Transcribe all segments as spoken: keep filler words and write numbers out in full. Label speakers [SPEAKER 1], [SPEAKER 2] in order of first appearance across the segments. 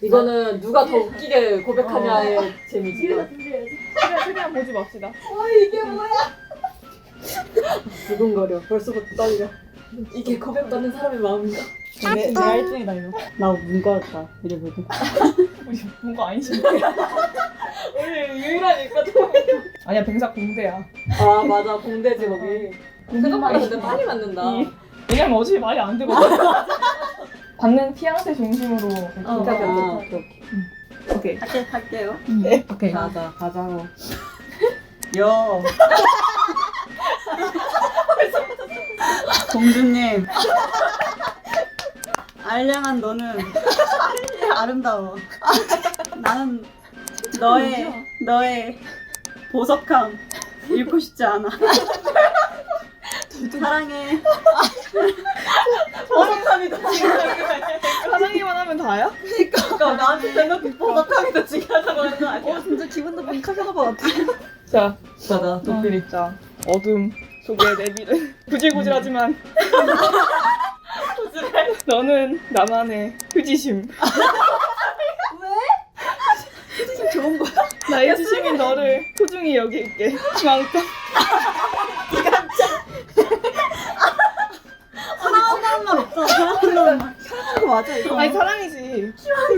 [SPEAKER 1] 이거는 누가 더 웃기게 고백하냐의
[SPEAKER 2] 어.
[SPEAKER 1] 재미지.
[SPEAKER 2] 뒤에서 준비해야지. 최대한, 최대한 보지 맙시다.
[SPEAKER 1] 어 이게 뭐야? 두근거려. 벌써부터 떨려. 이게 고백받는 사람의 마음인가?
[SPEAKER 3] 내, 내가 일 등이다 이거. 나 문과였다 이래보고.
[SPEAKER 2] 우리 뭔가 아니신데.
[SPEAKER 1] 우리 유일하니까.
[SPEAKER 2] 아니야, 병사 공대야.
[SPEAKER 1] 아 맞아 공대지 거기. 생각보다 근데 많이 맞는다.
[SPEAKER 2] 이- 왜냐면 어차피 말이 안 되거든. 받는 피앙새 중심으로.
[SPEAKER 1] 어,
[SPEAKER 2] 이렇게
[SPEAKER 1] 아,
[SPEAKER 2] 하자.
[SPEAKER 1] 오케이,
[SPEAKER 2] 오케이.
[SPEAKER 1] 오케이.
[SPEAKER 3] 할게 할게요.
[SPEAKER 2] 네. 오케이.
[SPEAKER 1] 가자 가자고.
[SPEAKER 3] 여. 공주님. 알량한 너는 아름다워. 나는 너의 너의 보석함 잃고 싶지 않아. 사랑해.
[SPEAKER 1] 보석함이다 지금.
[SPEAKER 2] 사랑이만 하면 다야?
[SPEAKER 1] 그러니까 나한테 대놓고 보석함이다 지금 하자고 하는 거 아니야?
[SPEAKER 3] 어 진짜 기분 나쁜 카페나바 같아.
[SPEAKER 2] 자,
[SPEAKER 1] 맞아
[SPEAKER 2] 도필 입자. 어둠 속에 내비를 구질구질하지만 너는 나만의 휴지심.
[SPEAKER 3] 휴지심 좋은 거야?
[SPEAKER 2] 나의 휴지심인 너를 소중히 여길게. 그만큼.
[SPEAKER 3] 사랑하는 말 없잖아. 사랑하는 말. 사랑하는 거 맞아 이거.
[SPEAKER 2] 아니 사랑이지.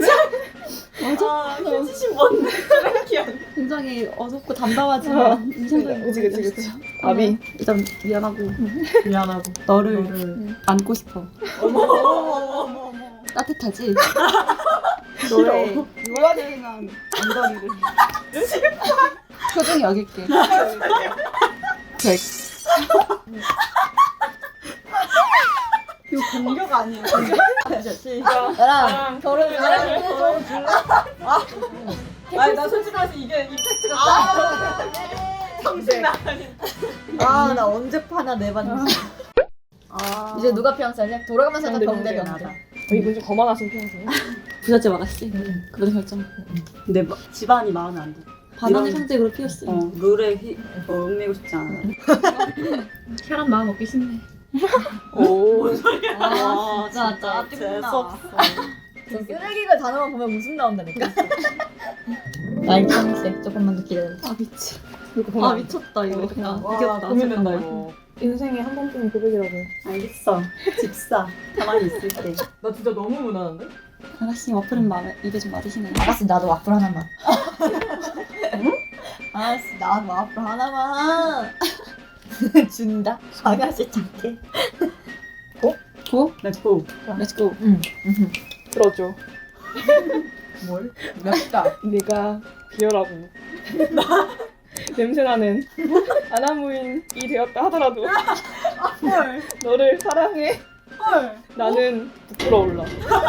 [SPEAKER 1] 아 휴지심 뭔데? 쓰레기야.
[SPEAKER 3] 굉장히 어둡고 담담하지만 인상적인
[SPEAKER 2] 그치 그치 그치.
[SPEAKER 3] 곡이었어.
[SPEAKER 2] 답이.
[SPEAKER 3] 일단 미안하고
[SPEAKER 1] 미안하고.
[SPEAKER 3] 너를
[SPEAKER 1] 너를.
[SPEAKER 3] 안고 싶어.
[SPEAKER 1] 어머 어머 어머 어머.
[SPEAKER 3] 따뜻하지? 너의 유아대행한 엉덩이를 소중히 여길게. 백. 이거 공격 아니에요?
[SPEAKER 2] 자,
[SPEAKER 3] 나랑 결혼을
[SPEAKER 2] 사랑해.
[SPEAKER 1] 아니 나 솔직히 말해서 이게 임팩트가 아, 정신 나가니.
[SPEAKER 3] 아, 나 언제 파나 내봤는데. 아. 이제 누가 피앙사냐? 돌아가면서
[SPEAKER 2] 병대,
[SPEAKER 3] 병대
[SPEAKER 2] 병대.
[SPEAKER 3] 병대.
[SPEAKER 2] 어, 이분 좀 거만하신 편이세요?
[SPEAKER 3] 부잣집 아가씨. 그런 결정.
[SPEAKER 4] 내 마- 집안이 마음에 안 들어.
[SPEAKER 3] 반환의
[SPEAKER 4] 이런-
[SPEAKER 3] 상징으로 피었어.
[SPEAKER 4] 어, 룰에 휘, 어, 얽매고 싶지 않아.
[SPEAKER 3] 혈압 마음 먹기 쉽네.
[SPEAKER 2] 오.
[SPEAKER 3] 아, 진짜 짜증나.
[SPEAKER 4] 재수없어.
[SPEAKER 3] 저 쓰레기가 단어만 보면 웃음 나온다니까. 나이 평생 조금만 더 기다려. 아 미치. 아 미쳤다 이거.
[SPEAKER 1] 와,
[SPEAKER 3] 이겼다.
[SPEAKER 1] 고민된다 이거.
[SPEAKER 2] 인생에 한 번뿐인 고백이라고.
[SPEAKER 4] 알겠어. 집사. 가만히 있을게.
[SPEAKER 1] 나 진짜 너무 무난한데?
[SPEAKER 3] 아가씨 와플은 마음에 입에 좀 맞으시네. 아가씨 나도 와플 하나만. 응? 아가씨 나도 와플 하나만. 준다. 아가씨 착해. 고? 고?
[SPEAKER 4] 렛츠고.
[SPEAKER 3] 렛츠고. 응.
[SPEAKER 2] 들어줘.
[SPEAKER 1] 뭘? 맵다.
[SPEAKER 2] 네가 비어라고. 냄새나는 아나무인이 되었다 하더라도
[SPEAKER 4] 헐.
[SPEAKER 2] 너를 사랑해.
[SPEAKER 4] 헐.
[SPEAKER 2] 나는 부끄러울라.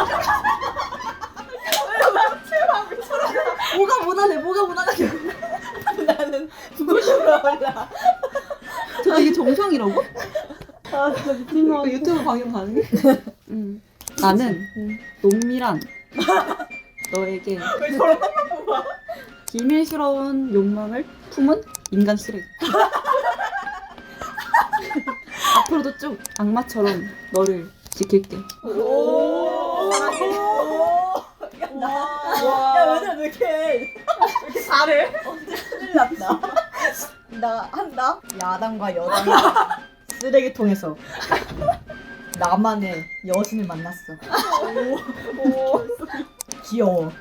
[SPEAKER 3] 뭐가 무난해? 뭐가 무난하게? 나는 부끄러워라. 저 이게 정상이라고?
[SPEAKER 4] 아, 진짜 미친 거.
[SPEAKER 3] 이거 유튜브 방영 가능해? 응. 나는
[SPEAKER 2] 응.
[SPEAKER 3] 농밀한 너에게
[SPEAKER 1] 왜 저런 것만 뽑아?
[SPEAKER 3] 비밀스러운 욕망을 품은 인간 쓰레기. 앞으로도 쭉 악마처럼 너를 지킬게.
[SPEAKER 1] 오. 와.
[SPEAKER 4] 야, 얘들아, 왜 이렇게
[SPEAKER 1] 왜 이렇게 잘해?
[SPEAKER 4] 큰일 났다.
[SPEAKER 3] 나 한다. 야당과 여당
[SPEAKER 4] 쓰레기통에서.
[SPEAKER 3] 나만의 여신을 만났어.
[SPEAKER 2] 오.
[SPEAKER 3] 귀여워.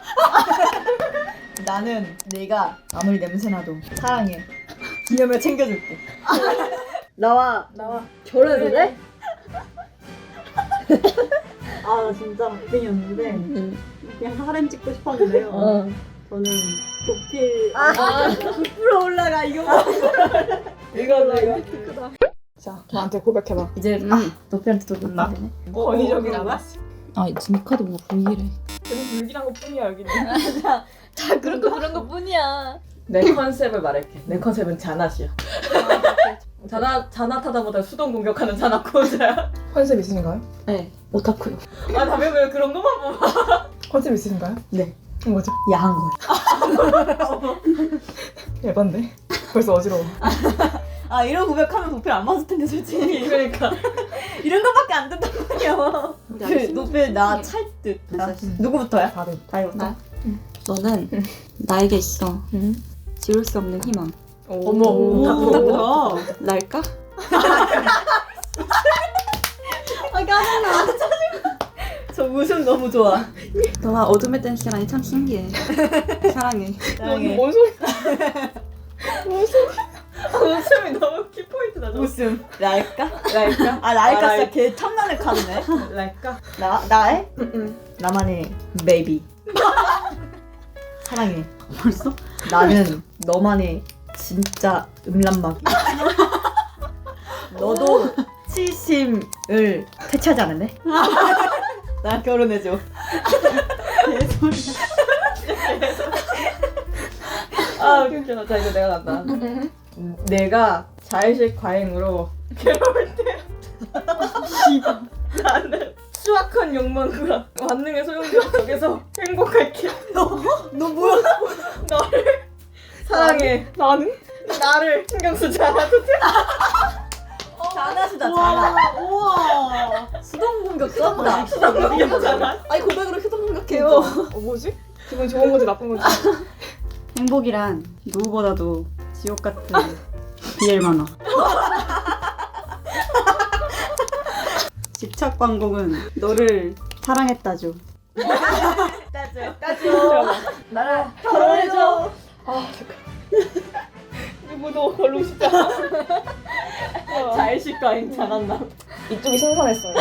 [SPEAKER 3] 나는 내가 아무리 냄새나도 사랑해. 기념을 챙겨줄게.
[SPEAKER 4] 나와.
[SPEAKER 1] 나와.
[SPEAKER 3] 결혼해도 돼?
[SPEAKER 4] 아, 나 진짜 박빙이었는데.
[SPEAKER 3] 응.
[SPEAKER 4] 그냥 하렘 찍고 싶었는데요.
[SPEAKER 3] 어.
[SPEAKER 4] 저는 도필.
[SPEAKER 3] 아, 부풀어 올라가 이거.
[SPEAKER 1] 이거 내가.
[SPEAKER 2] 자, 저한테 고백해봐.
[SPEAKER 3] 이제 아, 너피한테 또 놀라 되네.
[SPEAKER 2] 권위적이라고.
[SPEAKER 3] 아, 지금 카드 뭔가 불길해.
[SPEAKER 2] 그냥 불길한 것 뿐이야 여기는.
[SPEAKER 3] 다 그런 거 그런 거 뿐이야.
[SPEAKER 1] 내 컨셉을 말할게. 내 컨셉은 자낫이야. 자낫 자낫하다보다 수동 공격하는 자낫 고자야.
[SPEAKER 2] 컨셉 있으신가요?
[SPEAKER 3] 네, 오타쿠요.
[SPEAKER 1] 아 다음에 왜 그런 것만 뽑아?
[SPEAKER 2] 컨셉 있으신가요?
[SPEAKER 3] 네.
[SPEAKER 2] 뭐죠?
[SPEAKER 3] 야한 거.
[SPEAKER 2] 예반데? 벌써 어지러워.
[SPEAKER 4] 아, 이런 고백하면 도필 안 맞을 텐데, 솔직히.
[SPEAKER 1] 그러니까.
[SPEAKER 4] 이런 것밖에 안 된단 말이야.
[SPEAKER 3] 노벨 나 찰 듯. 누구부터야?
[SPEAKER 1] 다들.
[SPEAKER 3] 다이부터.
[SPEAKER 5] 나? 너는 나에게 있어
[SPEAKER 2] 응.
[SPEAKER 5] 지울 수 없는 희망.
[SPEAKER 1] 어머.
[SPEAKER 3] 오,
[SPEAKER 1] 다
[SPEAKER 3] 뭐야?
[SPEAKER 5] 날까?
[SPEAKER 3] 아 짜증나. 저 웃음 너무 좋아.
[SPEAKER 5] 너와 어둠의 댄스라니 참 신기해. 사랑해.
[SPEAKER 2] 너는 뭔 소리?
[SPEAKER 1] 웃음이 너무 키포인트다. 저.
[SPEAKER 3] 웃음. 날까?
[SPEAKER 1] 랄까?
[SPEAKER 3] 아 날까
[SPEAKER 1] 아,
[SPEAKER 3] 진짜 개 탐나는 카드네.
[SPEAKER 1] 랄까?
[SPEAKER 3] 나 나의
[SPEAKER 1] 응.
[SPEAKER 3] 나만의 베이비. 사랑해.
[SPEAKER 5] 벌써?
[SPEAKER 3] 나는 너만의 진짜 음란마귀. 너도 치심을 퇴치하지 않을래? 나 결혼해줘.
[SPEAKER 1] 아 웃겨. 자 이제 내가 간다. 음, 내가 자의식 과잉으로 괴로울 때 나는 수악한 욕망과 만능의 소용돌이 속에서 행복할게.
[SPEAKER 3] 너 뭐야?
[SPEAKER 1] 너를 사랑해.
[SPEAKER 2] 나는?
[SPEAKER 1] 나를 신경 쓰지 않아도 돼.
[SPEAKER 3] 잘하시다 잘하. 우와. 수동 공격 쩐다. 수동
[SPEAKER 1] 공격이잖아.
[SPEAKER 3] 아니 고백으로 수동 공격해요.
[SPEAKER 2] 어 뭐지? 기분 좋은 건지 나쁜 건지.
[SPEAKER 5] 행복이란 누구보다도 지옥 같은 비엘 만화. 집착 광공은 너를 사랑했다죠.
[SPEAKER 3] 따져 따져. 나랑 결혼해줘.
[SPEAKER 2] 누구도 걸고 싶지 않아.
[SPEAKER 1] 자의식 과잉 잘한다.
[SPEAKER 2] 이쪽이 신선했어요.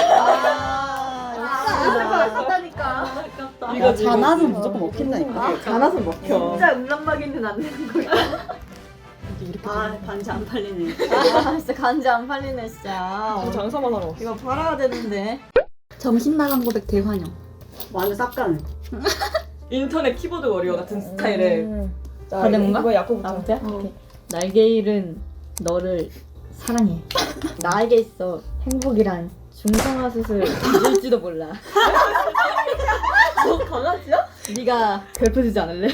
[SPEAKER 3] 아, 아깝다니까.
[SPEAKER 1] 이거
[SPEAKER 5] 자나는 무조건 먹힌다니까.
[SPEAKER 1] 가나서 먹혀.
[SPEAKER 3] 진짜 음란마귀는 안 되는 거야.
[SPEAKER 5] 아 반지 안 팔리네.
[SPEAKER 3] 아 진짜 간지 안 팔리네 진짜.
[SPEAKER 2] 장사만 하러 왔어.
[SPEAKER 3] 이거 팔아야 되는데.
[SPEAKER 5] 점심 나간 고백 대환영.
[SPEAKER 4] 완전 쌉가는.
[SPEAKER 1] 인터넷 키보드 워리어 같은 스타일의
[SPEAKER 2] 음. 자,
[SPEAKER 3] 다른 건가?
[SPEAKER 2] 이거 야쿠부터.
[SPEAKER 3] 나부터야?
[SPEAKER 5] 어.
[SPEAKER 3] 오케이. 날개 잃은 너를 사랑해. 나에게 있어 행복이란 중성화 수술 잊을지도 몰라. 너 강아지야? 네가 괴롭혀주지 않을래?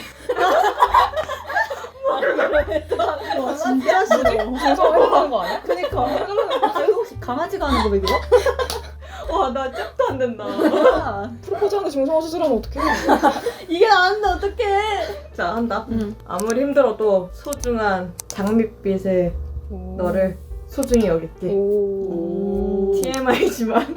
[SPEAKER 5] 와 진짜 싫어.
[SPEAKER 2] 장사하는 거 아니야?
[SPEAKER 3] 그니까. 혹시 강아지가 하는 고백이야?
[SPEAKER 1] 와나 짝도 안 된다.
[SPEAKER 2] 프로포즈하는데 중성화 수술하면 어떡해?
[SPEAKER 3] 이게 나왔는데 어떡해.
[SPEAKER 1] 자 한다.
[SPEAKER 5] 응.
[SPEAKER 1] 아무리 힘들어도 소중한 장밋빛의 너를 소중히 여길게.
[SPEAKER 2] 오.
[SPEAKER 1] 티엠아이지만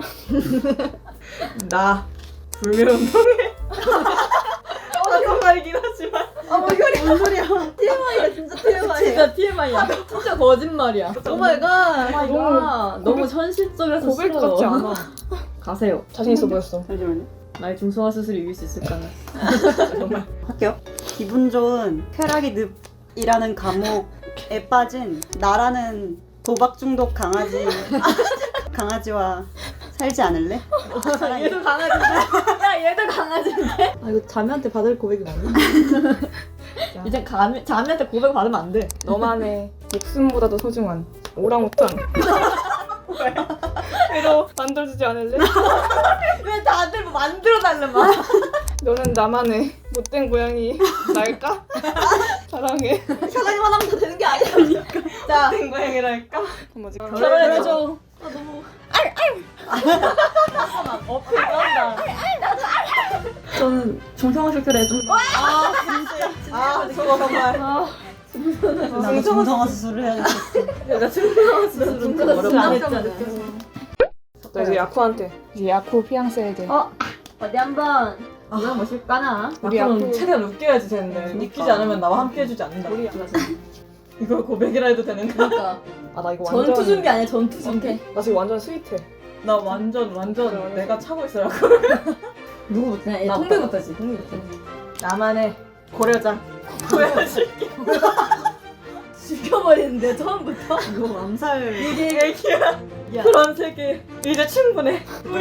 [SPEAKER 1] 나 불매운동해. 하는 말이긴 하지만
[SPEAKER 3] 아 뭐 이거리 뭔 소리야. 티엠아이야 진짜 티엠아이야. 진짜 티엠아이야. 진짜 거짓말이야. 오마이갓.
[SPEAKER 2] 너무-
[SPEAKER 3] 너무 현실적이라서
[SPEAKER 2] 고백
[SPEAKER 3] 싫어.
[SPEAKER 2] 같지 않아.
[SPEAKER 3] 가세요.
[SPEAKER 2] 자신 있어 보였어.
[SPEAKER 5] 잠시만요.
[SPEAKER 3] 나의 중성화 수술을 이길 수 있을까나.
[SPEAKER 1] 정말
[SPEAKER 5] 할게요. 기분 좋은 쾌락이 늪이라는 감옥에 빠진 나라는 도박 중독 강아지 강아지와 살지 않을래? 사랑해.
[SPEAKER 3] 얘도 강아지인데? 야 얘도 강아지인데? 아 이거 자매한테 받을 고백이 맞나? 이제 가, 자매한테 고백 받으면 안 돼.
[SPEAKER 2] 너만의 목숨보다도 소중한 오랑우탄. 그래도 만들어주지 않을래?
[SPEAKER 3] 왜 다들 뭐 만들어달래 막.
[SPEAKER 2] 너는 나만의 못된 고양이 날까? 사랑해.
[SPEAKER 3] 사랑이만 하면 다 되는 게 아니야. 자
[SPEAKER 1] 된 고양이랄까?
[SPEAKER 2] 뭐지?
[SPEAKER 3] 결혼해줘. 아 너무. 어필 쩐다.
[SPEAKER 5] 저는 중성화 수술에 좀
[SPEAKER 3] 아 진짜.
[SPEAKER 1] 아 저거 정말.
[SPEAKER 2] 아,
[SPEAKER 5] 나도 중성화 수술을 해야 되겠어.
[SPEAKER 1] 내가 중성화 수술은 좀 어렵다.
[SPEAKER 3] 안 했잖아.
[SPEAKER 2] 나 이제 야쿠한테. 이제 야쿠 피앙세에게.
[SPEAKER 3] 어 어디 한번 이거 보실까나?
[SPEAKER 2] 우리
[SPEAKER 1] 앞으로는
[SPEAKER 2] 야쿠.
[SPEAKER 1] 최대한 웃겨야지 되는데 웃기지 않으면 나와 함께 해주지 않는다.
[SPEAKER 2] 우리
[SPEAKER 1] 이걸 고백이라 해도 되는가?
[SPEAKER 3] 그러니까
[SPEAKER 2] 아 나 이거 완전.
[SPEAKER 3] 전투 준비 아니야 전투 준비.
[SPEAKER 2] 나 지금 완전 스윗해.
[SPEAKER 1] 나 완전 완전 내가 차고 있어라고.
[SPEAKER 3] 누구부터? 나
[SPEAKER 1] 나
[SPEAKER 3] 통배부터지. 통배부터.
[SPEAKER 1] 나만의 고려자 보여줄게.
[SPEAKER 3] 죽여버리는데 처음부터.
[SPEAKER 5] 이거 암살.
[SPEAKER 1] 이게 애기야.
[SPEAKER 3] 야.
[SPEAKER 1] 그런 세계 이제 충분해.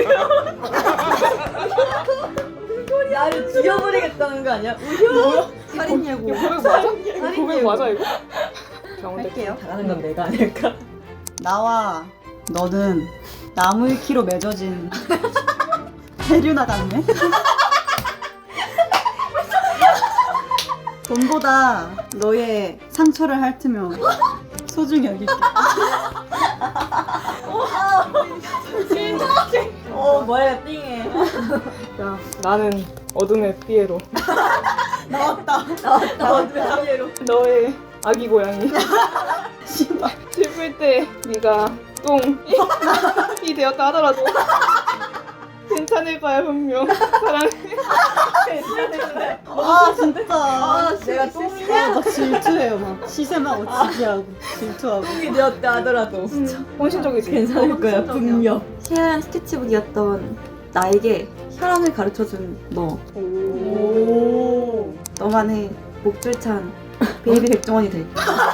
[SPEAKER 3] 나를 죽여버리겠다는 거 아니야? 우효?
[SPEAKER 5] 살인 예고.
[SPEAKER 2] 이거 고백 맞아? 이거 고백 맞아 이거? 병원대.
[SPEAKER 5] 할게요.
[SPEAKER 1] 잘하는 건 내가 아닐까?
[SPEAKER 5] 나와 너는 나무 키로 맺어진 해류나 같네. 돈보다 너의 상처를 핥으며 소중히 여길게.
[SPEAKER 3] 어
[SPEAKER 4] 어 뭐야 띵해.
[SPEAKER 2] 야, 나는 어둠의 피에로.
[SPEAKER 4] 나왔다. 나왔다. 피에로.
[SPEAKER 2] 너의 아기 고양이. 씨발. 슬플 때 네가 똥이 되었다 하더라도 괜찮을 거야 분명. 사랑해.
[SPEAKER 4] 아 진짜.
[SPEAKER 3] 아,
[SPEAKER 4] 내가 똥이야?
[SPEAKER 3] 막 질투해요. 막 시샘하고 지기하고 질투하고.
[SPEAKER 1] 똥이 되었다 하더라도
[SPEAKER 2] 헌신적이지.
[SPEAKER 1] 괜찮을 거야 분명.
[SPEAKER 5] 희한 스케치북이었던 나에게 혈안을 가르쳐준 너.
[SPEAKER 2] 오.
[SPEAKER 5] 너만의 목줄찬 베이비 백종원이 될.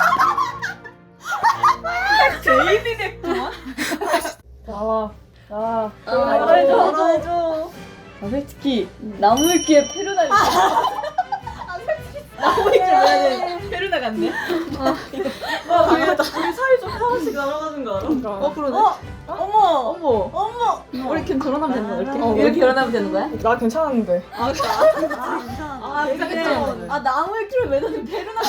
[SPEAKER 1] 베이비 백종원?
[SPEAKER 2] 나와. 나.
[SPEAKER 1] 아, 말해줘. 말해줘. 아, 솔직히 나무위키에 페루나 있어. 아, 솔직히 나무위키 뭐야? 페루나 같네. 아, 와, 우리, 우리 사이좋게 하나씩 날아가는 거 알아?
[SPEAKER 2] 어,
[SPEAKER 1] 그러네. 어, 어머, 어머, 어머. 우리 걔 결혼하면 되는 거야? 이렇게?
[SPEAKER 2] 어,
[SPEAKER 1] 이렇게 결혼하면 되는 거야?
[SPEAKER 2] 나 괜찮았는데.
[SPEAKER 1] 아, 근데 아 나무위키를 왜 넣는 페루나가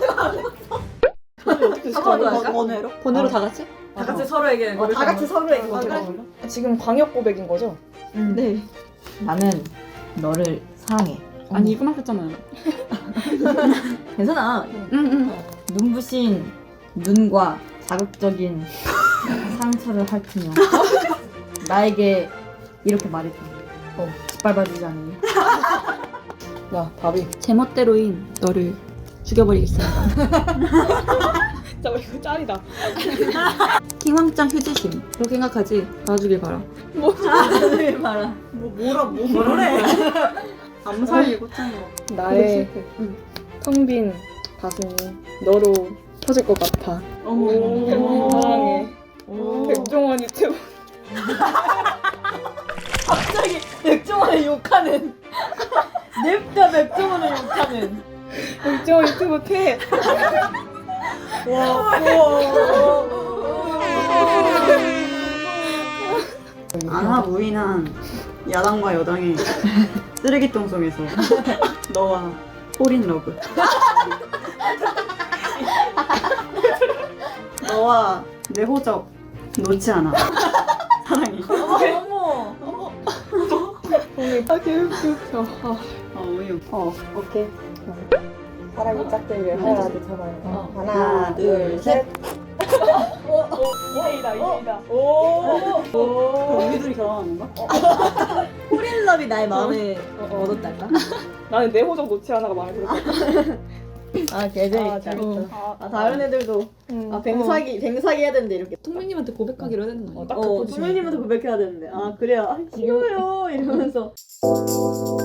[SPEAKER 2] 어떻게
[SPEAKER 1] 한번더 할까?
[SPEAKER 4] 번외로?
[SPEAKER 5] 번외로 다 같이?
[SPEAKER 1] 다 같이 서로에게
[SPEAKER 4] 어, 다 같이 서로에게
[SPEAKER 1] 아, 그래?
[SPEAKER 2] 지금 광역 고백인 거죠?
[SPEAKER 5] 네.
[SPEAKER 1] 나는 너를 사랑해.
[SPEAKER 5] 아니 이거 하셨잖아요.
[SPEAKER 1] 괜찮아.
[SPEAKER 5] 응응.
[SPEAKER 1] 눈부신 눈과 자극적인 상처를 핥으며 나에게 이렇게 말해줘. 어, 짓밟아주지 않니?
[SPEAKER 2] 야, 답이.
[SPEAKER 5] 제멋대로인 너를 죽여버리겠습니다.
[SPEAKER 2] 진짜 이거 짤이다.
[SPEAKER 5] 킹왕짱 휴지심. 그렇게 생각하지. 놔주길 바라.
[SPEAKER 1] 하늘 봐라.
[SPEAKER 4] 뭐 뭐라 뭐 뭐래?
[SPEAKER 5] 암살 예고짱.
[SPEAKER 2] 나의
[SPEAKER 5] 응.
[SPEAKER 2] 텅 빈 가슴이 너로 터질 것 같아. 사랑해. 백종원 유튜브.
[SPEAKER 1] 갑자기 백종원을 욕하는. 냅다 백종원을 욕하는.
[SPEAKER 2] 백종원 유튜브 퇴.
[SPEAKER 4] 와 우와. 안하무인한 야당과 여당의 쓰레기통 속에서 너와 홀인 러브. 너와 내 호적 놓지 않아. 사랑해.
[SPEAKER 1] 어머, 어머.
[SPEAKER 2] 아, 개웃겨. 아,
[SPEAKER 4] 어 우유. 어 오케이.
[SPEAKER 2] 사랑이 짝대기를 하나, 둘, 잡아요.
[SPEAKER 1] 어.
[SPEAKER 4] 하나 둘 셋.
[SPEAKER 2] 이대이다, 이대이다.
[SPEAKER 4] 그럼 우리 둘이 결혼하는 건가?
[SPEAKER 1] 홀인럽이 나의 마음에
[SPEAKER 2] 어,
[SPEAKER 1] 얻었달까?
[SPEAKER 2] 나는 내 호적 놓지 않아가 마음에 들었어.
[SPEAKER 1] 아,
[SPEAKER 2] 아,
[SPEAKER 1] 개재밌다.
[SPEAKER 2] 재밌다.
[SPEAKER 4] 아 다른 애들도
[SPEAKER 2] 음.
[SPEAKER 4] 아 뱅사기 뱅사기 해야 되는데 이렇게.
[SPEAKER 5] 통민님한테 고백하기로 해야 되는 거
[SPEAKER 2] 어,
[SPEAKER 5] 아니야?
[SPEAKER 2] 딱그
[SPEAKER 4] 어
[SPEAKER 2] 포지션.
[SPEAKER 4] 선배님한테 고백해야 되는데 아 그래야 아, 싫어요 이러면서